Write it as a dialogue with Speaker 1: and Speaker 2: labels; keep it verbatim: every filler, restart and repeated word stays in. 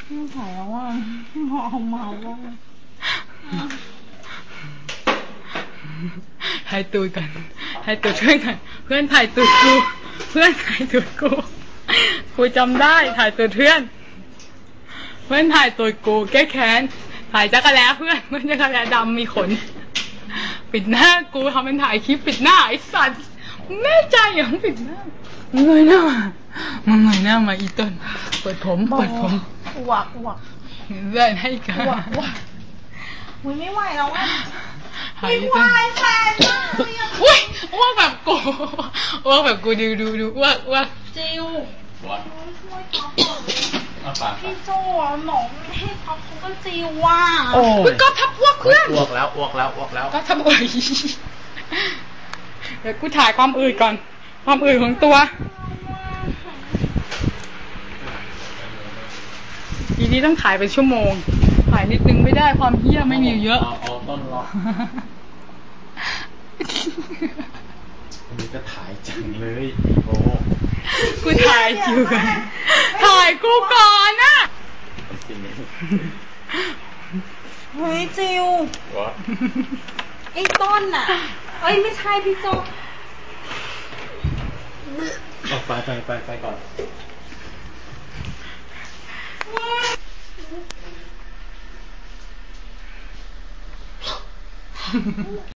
Speaker 1: ไม่ถ่ายแล้วว่าเมาเมาว่า
Speaker 2: ถ่ายตูดกันถ่ายตูดเพื่อนกันเพื่อนถ่ายตูดกูเพื่อนถ่ายตูดกูกูจำได้ถ่ายตูดเพื่อนเพื่อนถ่ายตูดกูแก้แค้นถ่ายจักรแล้เพื่อนเพื่อนจักรแล้ดำมีขนปิดหน้ากูทำเป็นถ่ายคลิปปิดหน้าไอ้สัตว์แน่ใจอย่างปิดหน้ามึงเงยหน้ามามึงเงยหน้ามาอีต้นเปิดผมเปิดผม
Speaker 1: อวกอวก
Speaker 2: เลื่อนให้กัน
Speaker 1: อวกอวกมึงไม่ไหวแล้วอ่ะไม่ไหวแฟนมากเลยอ่ะ
Speaker 2: อุ้ยอ้วกแบบกูอ้วกแบบกูดูดูดูอ้วกอ้วก
Speaker 1: จิว
Speaker 3: ช่วย
Speaker 1: พี่โจ้หนองให้พับเขาก็จิวว่า
Speaker 2: โอ้ยก็ทับอ้วกเพื่อน
Speaker 3: อ้วกแล้วอ้วกแล้วอ้วกแล้ว
Speaker 2: ก็ทับอ้วกเดี๋ยวกูถ่ายความอืดก่อนความอืดของตัวทีนี้ต้องถ่ายเป็นชั่วโมงถ่ายนิดนึงไม่ได้ความเหี้ยไม่มีเยอะ
Speaker 3: เอาต้นรออันนี้ก็ถ่ายจังเลยโอ้
Speaker 2: กูถ่ายจิวกันถ่ายกูก่อนนะ
Speaker 1: เฮ้ยจิวไอ้ต้นน่ะเอ้ยไม่ใช่พี่โจ้
Speaker 3: ออกไปไปไปไปก่อน